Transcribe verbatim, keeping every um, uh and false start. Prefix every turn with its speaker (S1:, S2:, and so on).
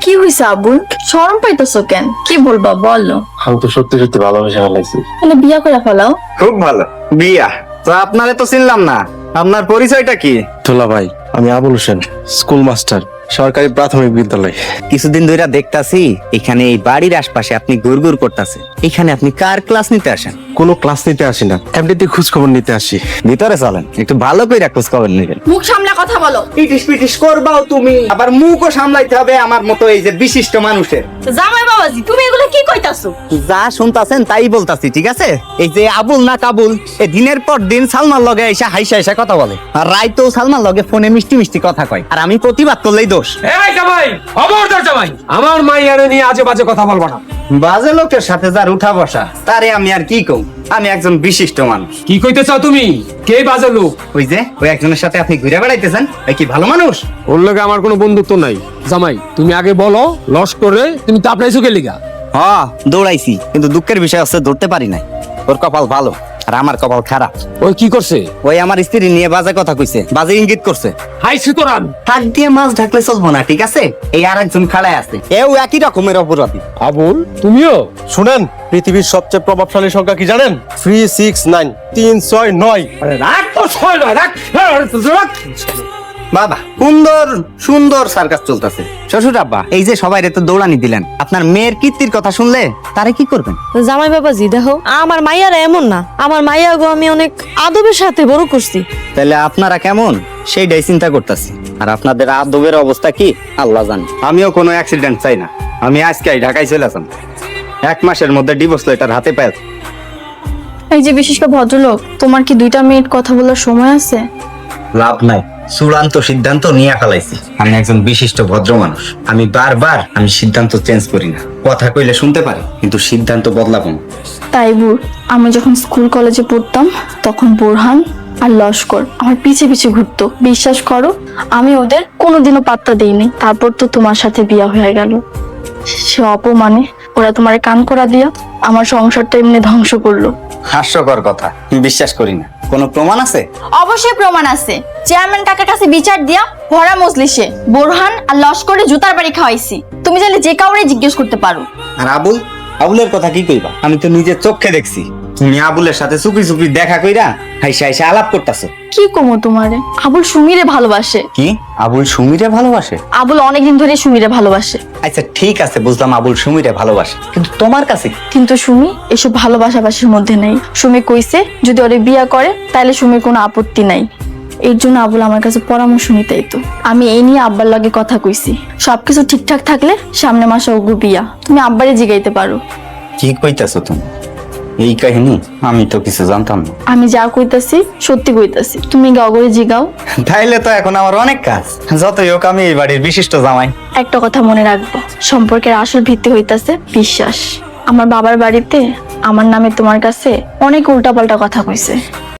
S1: কি হইছে আবুল? শরম পাইতেছো কেন? কি বলবা বলো।
S2: আমি তো সত্যি সত্যি ভালোবেসে ফেলাইছি।
S1: তাহলে বিয়া করে ফেলাও।
S3: খুব ভালো বিয়া। তো আপনারে তো চিনলাম না, আপনার পরিচয়টা কি?
S2: দুলা ভাই, আমি আবুল হোসেন, স্কুল মাস্টার, সরকারি প্রাথমিক বিদ্যালয়।
S3: কিছুদিন ধরে দেখতাছি এখানে এই বাড়ির আশপাশে আপনি গুড়গুড় করতেছে। এখানে আপনি কার ক্লাস নিতে আসেন?
S2: কোনো ক্লাস নিতে আসি না, এমনিতে খোঁজ খবর নিতে আসি।
S3: ভিতরে চলেন, একটু ভালো করে খোঁজ খবর নেবেন।
S1: মুখ সামলা কথা বলো।
S3: পিটিস পিটিস করবাও তুমি, আবার মুখও সামলাইতে হবে আমার মতো এই যে বিশিষ্ট মানুষের।
S1: জামাই বাবাজি, তুমি এগুলো কি কইতাছো?
S3: যা শুনতাছেন তাই বলতাছি, ঠিক আছে? এই যে আবুল না কাবুল, এ দিনের পর দিন সালমার লগে এসে হাইসা হাইসা কথা বলে, আর রাইতেও সালমার লগে ফোনে মিষ্টি মিষ্টি কথা কয়, আর আমি প্রতিবাদ করলেই দোষ।
S4: এই জামাই, খবরদার জামাই, আমার মাইয়ারে নিয়ে আজে বাজে কথা বলবা না।
S3: বাজে লোকের সাথে যার উঠা বসা, তারে আমি আর কি কম? আমি একজন বিশিষ্ট মানুষ।
S4: কি কইতে চাও তুমি? কে বাজে লোক?
S3: ওই যে ওই একজনের সাথে আপনি ঘুরে বেড়াইতেছেন, এ কি ভালো মানুষ?
S4: ওর লগে আমার কোনো বন্ধুত্ব নাই। জামাই, তুমি আগে বলো, লস করে তুমি তাপড়াইছো কে লিগা?
S3: হ্যাঁ দৌড়াইছি, কিন্তু দুঃখের বিষয় হচ্ছে দৌড়তে পারি নাই। ওর কপাল ভালো আর আমার কপাল খারাপ।
S4: ওই কি করছে?
S3: ওই আমার স্ত্রী নিয়ে বাজে কথা কইছে, বাজে ইঙ্গিত করছে।
S4: হাই সুতরাং
S3: হাত দিয়ে মাছ ঢাকলে চলবো না, ঠিক আছে? এই আর একজন খাড়ায় আছে, এও একই রকমের অপরাধী।
S4: আবুল, তুমিও?
S2: শুনেন, পৃথিবীর সবচেয়ে প্রভাবশালী সংখ্যা কি জানেন? থ্রি সিক্স নাইন, তিন ছয় নয়।
S4: আরে রাখ তো, ছয় নয়, রাখ রাখ।
S3: বাবা, সুন্দর সুন্দর সার্কাস চলতেছে। শ্বশুর আব্বা, এই যে সবাই তো দৌড়ানি দিলেন, আপনার মেয়ের কীর্তির কথা শুনলে তারে কি করবেন?
S5: জামাই বাবাজি দেখো, আমার মাইয়ারা এমন না। আমার মাইয়া গো আমি অনেক আদবের সাথে বড় করছি।
S3: তাহলে আপনারা কেমন সেইটাই চিন্তা করতেছি। আর আপনাদের আদবের অবস্থা কি আল্লাহ জানে। আমিও কোনো অ্যাক্সিডেন্ট চাই না। আমি আজকে ঢাকায় চলে আসলাম, এক মাসের মধ্যে ডিভোর্স লেটার হাতে পাই।
S1: এই যে বিশেষ করে ভদ্রলোক, তোমার কি দুইটা মিনিট কথা বলার সময় আছে?
S3: লাভ নাই, চূড়ান্ত সিদ্ধান্ত নিয়ে ফেলাইছি। আমি একজন বিশিষ্ট ভদ্র মানুষ, আমি বারবার আমি সিদ্ধান্ত চেঞ্জ করি না। কথা কইলে শুনতে পারি, কিন্তু সিদ্ধান্ত বদলাবো না।
S1: তাই বুর, আমি যখন স্কুল কলেজে পড়তাম তখন বোরহান আর লস্কর আমার পিছে পিছে ঘুরতো। বিশ্বাস করো, আমি ওদের কোনোদিনও পাত্তা দিইনি। তারপর তো তোমার সাথে বিয়া হয়ে গেল। সে অপমানে ওরা তোমার কান করা দিয়া আমার সংসারটা এমনি ধ্বংস করলো।
S3: হাস্যকর কথা, বিশ্বাস করি না। কোনো প্রমাণ আছে?
S1: অবশ্যই প্রমাণ আছে। চেয়ারম্যান কাকার কাছে বিচার দিয়া ভরা মজলিসে বোরহান আর লস্করে জুতার বাড়ি খাওয়াইছি। তুমি চাইলে যে কাউরে জিজ্ঞেস করতে পারো।
S3: আর আবুল, আবুলের কথা কি কইবা? আমি তো নিজের চোখে দেখছি তুমি আবুলের সাথে চুপি চুপি দেখা কইরা হাইসা হাইসা আলাপ করতেছো।
S1: কি কমো তোমারে? আবুল সুমিরে ভালোবাসে।
S3: কি আবুল সুমিরে ভালোবাসে?
S1: আবুল অনেকদিন ধরে সুমিরে ভালোবাসে।
S3: আচ্ছা ঠিক আছে, বুঝলাম আবুল সুমিরে ভালোবাসে, কিন্তু তোমার কাছে কি?
S1: কিন্তু সুমি এসব ভালোবাসাবাসির মধ্যে নেই। সুমি কইছে যদি ওরে বিয়া করে তাহলে সুমির কোনো আপত্তি নাই। এর জন্য আবুল আমার কাছে পরামর্শ নিতেই তো। আমি এই নিয়ে আব্বার লগে কথা কইছি। সবকিছু ঠিকঠাক থাকলে সামনে মাসে ওগু বিয়া। তুমি আব্বারে জিগাইতে পারো।
S3: কি কইতাছো তুমি? এই কাহিনী আমি তো কিছু জানতাম না।
S1: আমি যা কইতাছি সত্যি কইতাছি, তুমি গগরে জিগাও।
S3: তাইলে তো এখন আমার অনেক কাজ। যতই হোক আমি এই বাড়ির বিশিষ্ট জামাই।
S1: একটা কথা মনে রাখবো, সম্পর্কের আসল ভিত্তি হইতাছে বিশ্বাস। আমার বাবার বাড়িতে আমার নামে তোমার কাছে অনেক উল্টাপাল্টা কথা কইছে।